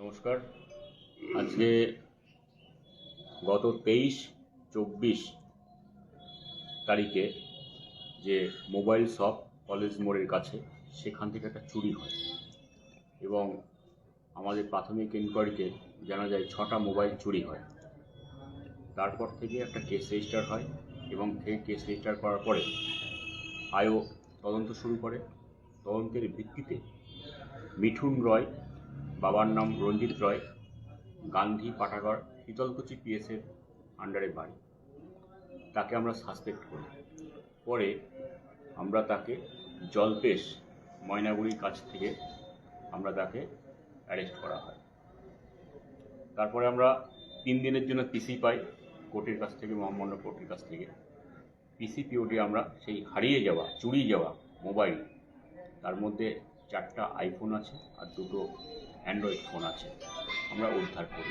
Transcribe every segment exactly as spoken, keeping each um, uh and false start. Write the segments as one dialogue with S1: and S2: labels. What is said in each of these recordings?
S1: নমস্কার। আজকে গত তেইশ চব্বিশ তারিখে যে মোবাইল শপ কলেজ মোড়ের কাছে সেখান থেকে একটা চুরি হয় এবং আমাদের প্রাথমিক ইনকোয়ারিতে জানা যায় ছটা মোবাইল চুরি হয়। তারপর থেকে একটা কেস রেজিস্টার হয় এবং সেই কেস রেজিস্টার করার পরে আইও তদন্ত শুরু করে। তদন্তের ভিত্তিতে মিঠুন রয়, বাবার নাম রঞ্জিত রয়, গান্ধী পাঠাগার, শীতলকুচি পিএসের আন্ডারে বাড়ি, তাকে আমরা সাসপেক্ট করি। পরে আমরা তাকে জলপেশ ময়নাগুড়ির কাছ থেকে আমরা তাকে অ্যারেস্ট করা হয়। তারপরে আমরা তিন দিনের জন্য পিসি পাই কোর্টের কাছ থেকে, মহামান্য কোর্টের কাছ থেকে। পিসি পিওটি আমরা সেই হারিয়ে যাওয়া চুরি যাওয়া মোবাইল, তার মধ্যে চারটা আইফোন আছে আর দুটো অ্যান্ড্রয়েড ফোন আছে, আমরা উদ্ধার করি।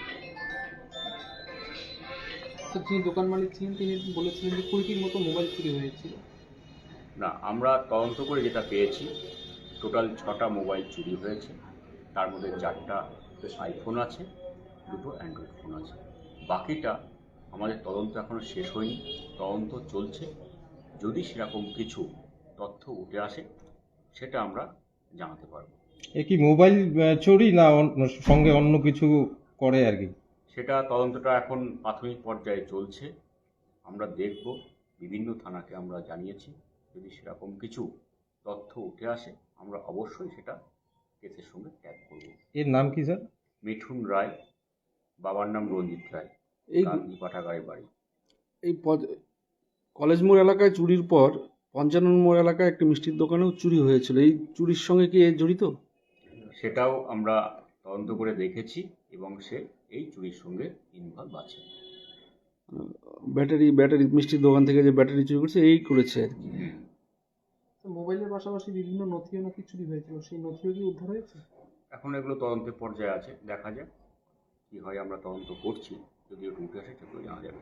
S2: তো যিনি দোকান মালিক ছিলেন তিনি বলেছিলেন যে কুড়িটির মতো মোবাইল চুরি হয়েছিল।
S1: না, আমরা তদন্ত করে যেটা পেয়েছি টোটাল ছটা মোবাইল চুরি হয়েছে, তার মধ্যে চারটা আইফোন আছে, দুটো অ্যান্ড্রয়েড ফোন আছে। বাকিটা আমাদের তদন্ত এখনও শেষ হয়নি, তদন্ত চলছে। যদি সেরকম কিছু তথ্য উঠে আসে সেটা আমরা জানাতে পারব।
S3: এ কি মোবাইল আহ, চুরি না অন্য- সঙ্গে অন্য কিছু করে আর কি?
S1: সেটা তদন্তটা এখন প্রাথমিক পর্যায়ে চলছে, আমরা দেখব। বিভিন্ন থানাকে আমরা জানিয়েছি, যদি সেরকম কিছু তথ্য উঠে আসে আমরা অবশ্যই সেটা কেসের সঙ্গে ট্যাগ করব।
S3: এর নাম কি স্যার?
S1: মিঠুন রায়, বাবার নাম রঞ্জিত রায়,
S2: এই
S1: গান্ধী পাঠাগারের বাড়ি।
S2: এই পদ- কলেজ মোড় এলাকায় চুরির পর পঞ্চানন মোড় এলাকায় একটি মিষ্টির দোকানেও চুরি হয়েছিল। এই চুরির সঙ্গে কি এ জড়িত?
S1: সেটাও আমরা তদন্ত করে দেখেছি এবং সে এই চুরির সঙ্গে ইনভলভ আছে।
S2: ব্যাটারি ব্যাটারি মিষ্টির দোকান থেকে যে ব্যাটারি চুরি করছে এই করেছে আর কি।
S4: মোবাইলের পাশাপাশি বিভিন্ন নথিও নাকি চুরি হয়েছিল, সেই নথিও কি উদ্ধার হয়েছে?
S1: এখন এগুলো তদন্তের পর্যায়ে আছে, দেখা যাক কী হয়। আমরা তদন্ত করছি, যদি একটু উঠে আসে সেগুলো জানা যাবে।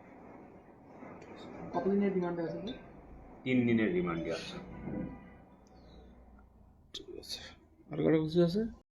S4: কতদিনের রিমান্ডে আছে?
S1: তিন দিনের রিমান্ডে আছে।
S2: ঠিক আছে, আর কারো কিছু আছে?